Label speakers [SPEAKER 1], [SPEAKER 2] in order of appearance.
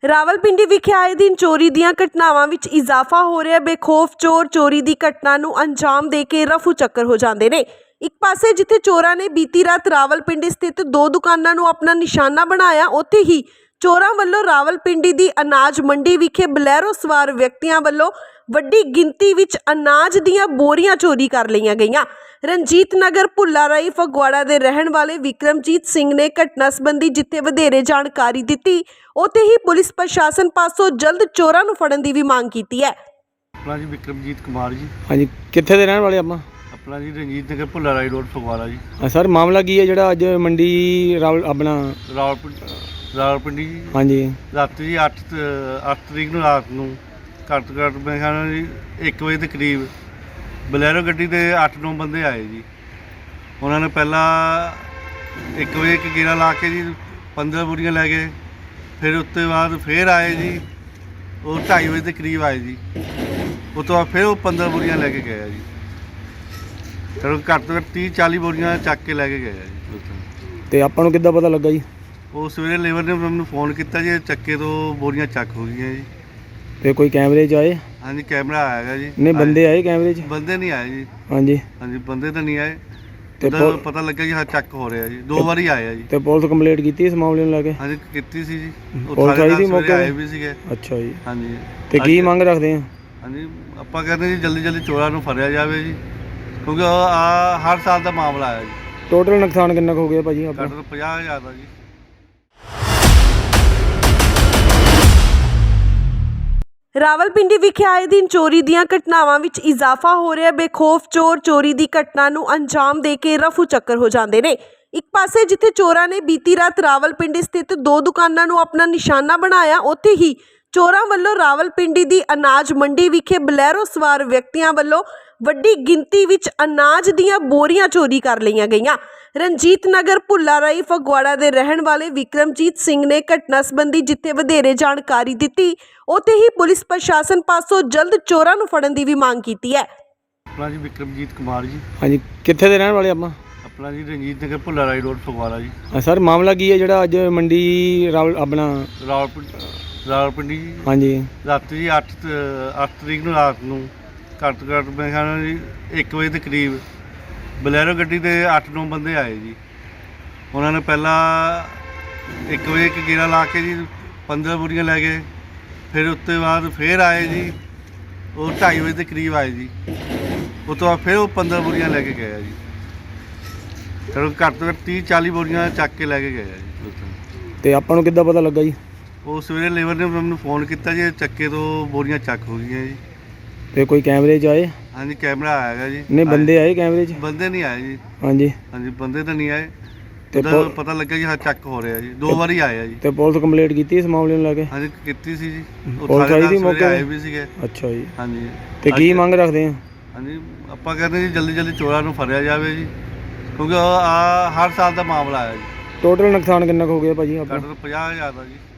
[SPEAKER 1] ਰਾਵਲਪਿੰਡੀ ਵਿਖੇ ਆਏ ਦਿਨ ਚੋਰੀ ਦੀਆਂ ਘਟਨਾਵਾਂ ਵਿੱਚ ਇਜ਼ਾਫਾ ਹੋ ਰਿਹਾ। ਬੇਖੌਫ ਚੋਰ ਚੋਰੀ ਦੀ ਘਟਨਾ ਨੂੰ ਅੰਜਾਮ ਦੇ ਕੇ ਰਫੂ ਚੱਕਰ ਹੋ ਜਾਂਦੇ ਨੇ। ਇੱਕ ਪਾਸੇ ਜਿੱਥੇ ਚੋਰਾਂ ਨੇ ਬੀਤੀ ਰਾਤ ਰਾਵਲਪਿੰਡੀ ਸਥਿਤ 2 ਦੁਕਾਨਾਂ ਨੂੰ ਆਪਣਾ ਨਿਸ਼ਾਨਾ ਬਣਾਇਆ, ਉੱਥੇ ਹੀ ਚੋਰਾਂ ਵੱਲੋਂ ਰਾਵਲਪਿੰਡੀ ਦੀ ਅਨਾਜ ਮੰਡੀ ਵਿਖੇ ਬਲੈਰੋ ਸਵਾਰ ਵਿਅਕਤੀਆਂ ਵੱਲੋਂ ਵੱਡੀ ਗਿਣਤੀ ਵਿੱਚ ਅਨਾਜ ਦੀਆਂ ਬੋਰੀਆਂ ਚੋਰੀ ਕਰ ਲਈਆਂ ਗਈਆਂ। ਰਣਜੀਤ ਨਗਰ ਭੁੱਲਾ ਰਾਈ ਫਗਵਾੜਾ ਦੇ ਰਹਿਣ ਵਾਲੇ ਵਿਕਰਮਜੀਤ ਸਿੰਘ ਨੇ ਘਟਨਾ ਸੰਬੰਧੀ ਜਿੱਥੇ ਵਧੇਰੇ ਜਾਣਕਾਰੀ ਦਿੱਤੀ, ਉੱਥੇ ਹੀ ਪੁਲਿਸ ਪ੍ਰਸ਼ਾਸਨ ਪਾਸੋਂ ਜਲਦ ਚੋਰਾਂ ਨੂੰ ਫੜਨ ਦੀ ਵੀ ਮੰਗ ਕੀਤੀ ਹੈ।
[SPEAKER 2] ਆਪਣਾ ਜੀ ਵਿਕਰਮਜੀਤ ਕੁਮਾਰ ਜੀ।
[SPEAKER 3] ਹਾਂਜੀ, ਕਿੱਥੇ ਦੇ ਰਹਿਣ ਵਾਲੇ ਆਪਾਂ?
[SPEAKER 2] ਆਪਣਾ ਜੀ ਰਣਜੀਤ ਨਗਰ ਭੁੱਲਾ ਰਾਈ ਰੋਡ ਫਗਵਾੜਾ ਜੀ।
[SPEAKER 3] ਸਰ, ਮਾਮਲਾ ਕੀ ਹੈ ਜਿਹੜਾ ਅੱਜ ਮੰਡੀ
[SPEAKER 2] ਰਾਵਲਪਿੰਡੀ ਜੀ?
[SPEAKER 3] ਹਾਂਜੀ,
[SPEAKER 2] ਰਾਤੀ ਜੀ 8 ਤਰੀਕ ਨੂੰ ਰਾਤ ਨੂੰ ਘੱਟ ਮੈਂ ਕਹਿੰਦਾ ਜੀ 1 ਵਜੇ ਦੇ ਕਰੀਬ ਬਲੈਰੋ ਗੱਡੀ ਦੇ 8-9 ਬੰਦੇ ਆਏ ਜੀ। ਉਹਨਾਂ ਨੇ ਪਹਿਲਾਂ 1 ਵਜੇ ਇੱਕ ਗੇੜਾ ਲਾ ਕੇ ਜੀ 15 ਬੋਰੀਆਂ ਲੈ ਗਏ। ਫਿਰ ਉਸ ਤੋਂ ਬਾਅਦ ਫਿਰ ਆਏ ਜੀ, ਉਹ 2:30 ਵਜੇ ਦੇ ਕਰੀਬ ਆਏ ਜੀ। ਉਸ ਤੋਂ ਬਾਅਦ ਫਿਰ ਉਹ 15 ਬੋਰੀਆਂ ਲੈ ਕੇ ਗਏ ਆ ਜੀ। ਫਿਰ ਘੱਟ ਤੋਂ ਘੱਟ 30-40 ਬੋਰੀਆਂ ਚੱਕ ਕੇ ਲੈ ਕੇ ਗਏ ਆ ਜੀ ਉੱਥੋਂ।
[SPEAKER 3] ਤੇ ਆਪਾਂ ਨੂੰ ਕਿੱਦਾਂ ਪਤਾ ਲੱਗਾ ਜੀ?
[SPEAKER 2] ਉਹ ਸਵੇਰੇ ਲੇਬਰ ਨੇ ਮੈਨੂੰ ਫੋਨ ਕੀਤਾ ਜੀ, ਚੱਕੇ ਤੋਂ ਬੋਰੀਆਂ ਚੱਕ ਹੋ ਗਈਆਂ ਜੀ।
[SPEAKER 3] ਤੇ ਕੋਈ ਕੈਮਰੇ 'ਚ ਆਏ?
[SPEAKER 2] ਹਾਂਜੀ, ਕੈਮਰਾ ਆਏਗਾ ਜੀ।
[SPEAKER 3] ਨਹੀਂ, ਬੰਦੇ ਆਏ ਕੈਮਰੇ 'ਚ?
[SPEAKER 2] ਬੰਦੇ ਨਹੀਂ ਆਏ ਜੀ।
[SPEAKER 3] ਹਾਂਜੀ
[SPEAKER 2] ਹਾਂਜੀ, ਬੰਦੇ ਤਾਂ ਨਹੀਂ ਆਏ।
[SPEAKER 3] ਤੇ
[SPEAKER 2] ਪਤਾ ਲੱਗਾ ਜੀ ਹਾਂ ਚੱਕ ਹੋ ਰਿਹਾ ਜੀ। 2 ਵਾਰੀ ਆਏ ਆ ਜੀ।
[SPEAKER 3] ਤੇ ਪੁਲਿਸ ਕੰਪਲੇਂਟ ਕੀਤੀ ਇਸ ਮਾਮਲੇ ਨੂੰ ਲੈ ਕੇ?
[SPEAKER 2] ਹਾਂਜੀ, ਕੀਤੀ ਸੀ ਜੀ।
[SPEAKER 3] ਪੁਲਿਸ ਆਈ ਸੀ ਮੌਕੇ
[SPEAKER 2] ਆਏ ਵੀ ਸੀਗੇ।
[SPEAKER 3] ਅੱਛਾ ਜੀ।
[SPEAKER 2] ਹਾਂਜੀ,
[SPEAKER 3] ਤੇ ਕੀ ਮੰਗ ਰੱਖਦੇ ਆ?
[SPEAKER 2] ਹਾਂਜੀ, ਆਪਾਂ ਕਹਿੰਦੇ ਜੀ ਜਲਦੀ ਚੋਰਾਂ ਨੂੰ ਫੜਿਆ ਜਾਵੇ ਜੀ, ਕਿਉਂਕਿ ਹਰ ਸਾਲ ਦਾ ਮਾਮਲਾ ਆਇਆ ਜੀ।
[SPEAKER 3] ਟੋਟਲ ਨੁਕਸਾਨ ਕਿੰਨਾ ਕੁ ਹੋ ਗਿਆ ਭਾਜੀ ਆਪਣਾ?
[SPEAKER 2] ਘੱਟ ਤੋਂ 50,000 ਦਾ ਜੀ।
[SPEAKER 1] ਰਾਵਲਪਿੰਡੀ ਵਿਖੇ ਆਏ ਦਿਨ ਚੋਰੀ ਦੀਆਂ ਘਟਨਾਵਾਂ ਵਿੱਚ ਇਜ਼ਾਫਾ ਹੋ ਰਿਹਾ। ਬੇਖੌਫ ਚੋਰ ਚੋਰੀ ਦੀ ਘਟਨਾ ਨੂੰ ਅੰਜਾਮ ਦੇ ਕੇ ਰਫੂ ਚੱਕਰ ਹੋ ਜਾਂਦੇ ਨੇ। ਇੱਕ ਪਾਸੇ ਜਿੱਥੇ ਚੋਰਾਂ ਨੇ ਬੀਤੀ ਰਾਤ ਰਾਵਲਪਿੰਡੀ ਸਥਿਤ 2 ਦੁਕਾਨਾਂ ਨੂੰ ਆਪਣਾ ਨਿਸ਼ਾਨਾ ਬਣਾਇਆ, ਉੱਥੇ ਹੀ ਚੋਰਾਂ ਵੱਲੋਂ ਰਾਵਲਪਿੰਡੀ ਦੀ ਅਨਾਜ ਮੰਡੀ ਵਿਖੇ ਬਲੈਰੋ ਸਵਾਰ ਵਿਅਕਤੀਆਂ ਵੱਲੋਂ ਵੱਡੀ ਗਿਣਤੀ ਵਿੱਚ ਅਨਾਜ ਦੀਆਂ ਬੋਰੀਆਂ ਚੋਰੀ ਕਰ ਲਈਆਂ ਗਈਆਂ। ਰਣਜੀਤ ਨਗਰ ਭੁੱਲਾ ਰਾਈ ਫਗਵਾੜਾ ਦੇ ਰਹਿਣ ਵਾਲੇ ਵਿਕਰਮਜੀਤ ਸਿੰਘ ਨੇ ਘਟਨਾ ਸੰਬੰਧੀ ਜਿੱਥੇ ਵਧੇਰੇ ਜਾਣਕਾਰੀ ਦਿੱਤੀ, ਉੱਥੇ ਹੀ ਪੁਲਿਸ ਪ੍ਰਸ਼ਾਸਨ ਪਾਸੋਂ ਜਲਦ ਚੋਰਾਂ ਨੂੰ ਫੜਨ ਦੀ ਵੀ ਮੰਗ ਕੀਤੀ ਹੈ।
[SPEAKER 2] ਆਪਣਾ ਜੀ ਵਿਕਰਮਜੀਤ ਕੁਮਾਰ ਜੀ।
[SPEAKER 3] ਹਾਂਜੀ, ਕਿੱਥੇ ਦੇ ਰਹਿਣ ਵਾਲੇ ਆਪਾਂ?
[SPEAKER 2] ਆਪਣਾ ਜੀ ਰਣਜੀਤ ਨਗਰ ਭੁੱਲਾ ਰਾਈ ਰੋਡ ਫਗਵਾੜਾ ਜੀ।
[SPEAKER 3] ਸਰ, ਮਾਮਲਾ ਕੀ ਹੈ ਜਿਹੜਾ ਅੱਜ ਮੰਡੀ
[SPEAKER 2] ਰਾਵਲਪਿੰਡੀ ਜੀ?
[SPEAKER 3] ਹਾਂਜੀ,
[SPEAKER 2] ਰਾਤੀ ਜੀ 8 ਤਰੀਕ ਨੂੰ ਰਾਤ ਨੂੰ ਘੱਟ ਮੈਂ ਕਹਿੰਦਾ ਜੀ 1 ਵਜੇ ਦੇ ਕਰੀਬ ਬਲੈਰੋ ਗੱਡੀ ਦੇ 8-9 ਬੰਦੇ ਆਏ ਜੀ। ਉਹਨਾਂ ਨੇ ਪਹਿਲਾਂ 1 ਵਜੇ ਇੱਕ ਗੇੜਾ ਲਾ ਕੇ ਜੀ 15 ਬੋਰੀਆਂ ਲੈ ਗਏ। ਫਿਰ ਉਸ ਤੋਂ ਬਾਅਦ ਫਿਰ ਆਏ ਜੀ, ਉਹ 2:30 ਵਜੇ ਦੇ ਕਰੀਬ ਆਏ ਜੀ। ਉਸ ਤੋਂ ਬਾਅਦ ਫਿਰ ਉਹ 15 ਬੋਰੀਆਂ ਲੈ ਕੇ ਗਏ ਆ ਜੀ। ਫਿਰ ਘੱਟ ਤੋਂ ਘੱਟ 30-40 ਬੋਰੀਆਂ ਚੱਕ ਕੇ ਲੈ ਕੇ ਗਏ ਆ ਜੀ ਉੱਥੋਂ।
[SPEAKER 3] ਤੇ ਆਪਾਂ ਨੂੰ ਕਿੱਦਾਂ ਪਤਾ ਲੱਗਾ ਜੀ?
[SPEAKER 2] ਉਹ ਸਵੇਰੇ ਲੇਬਰ ਨੇ ਮੈਨੂੰ ਫੋਨ ਕੀਤਾ ਜੀ, ਚੱਕੇ ਤੋਂ ਬੋਰੀਆਂ ਚੱਕ ਹੋ ਗਈਆਂ ਜੀ।
[SPEAKER 3] ਤੇ ਕੋਈ ਕੈਮਰੇ 'ਚ ਆਏ?
[SPEAKER 2] ਹਾਂਜੀ, ਕੈਮਰਾ ਆਏਗਾ ਜੀ।
[SPEAKER 3] ਨਹੀਂ, ਬੰਦੇ ਆਏ ਕੈਮਰੇ 'ਚ?
[SPEAKER 2] ਬੰਦੇ ਨਹੀਂ ਆਏ ਜੀ।
[SPEAKER 3] ਹਾਂਜੀ
[SPEAKER 2] ਹਾਂਜੀ, ਬੰਦੇ ਤਾਂ ਨਹੀਂ ਆਏ।
[SPEAKER 3] ਤੇ
[SPEAKER 2] ਪਤਾ ਲੱਗਾ ਜੀ ਹਾਂ ਚੱਕ ਹੋ ਰਿਹਾ ਜੀ। 2 ਵਾਰੀ ਆਏ ਆ ਜੀ।
[SPEAKER 3] ਤੇ ਪੁਲਿਸ ਕੰਪਲੇਂਟ ਕੀਤੀ ਇਸ ਮਾਮਲੇ ਨੂੰ ਲੈ ਕੇ?
[SPEAKER 2] ਹਾਂਜੀ, ਕੀਤੀ ਸੀ ਜੀ।
[SPEAKER 3] ਪੁਲਿਸ ਆਈ ਸੀ ਮੌਕੇ
[SPEAKER 2] ਆਏ ਵੀ ਸੀਗੇ।
[SPEAKER 3] ਅੱਛਾ ਜੀ।
[SPEAKER 2] ਹਾਂਜੀ,
[SPEAKER 3] ਤੇ ਕੀ ਮੰਗ ਰੱਖਦੇ ਆ?
[SPEAKER 2] ਹਾਂਜੀ, ਆਪਾਂ ਕਹਿੰਦੇ ਜੀ ਜਲਦੀ ਚੋਰਾਂ ਨੂੰ ਫੜਿਆ ਜਾਵੇ ਜੀ, ਕਿਉਂਕਿ ਹਰ ਸਾਲ ਦਾ ਮਾਮਲਾ ਆਇਆ ਜੀ।
[SPEAKER 3] ਟੋਟਲ ਨੁਕਸਾਨ ਕਿੰਨਾ ਕੁ ਹੋ ਗਿਆ ਭਾਜੀ ਆਪਣਾ?
[SPEAKER 2] ਘੱਟ ਤੋਂ 50,000 ਦਾ ਜੀ।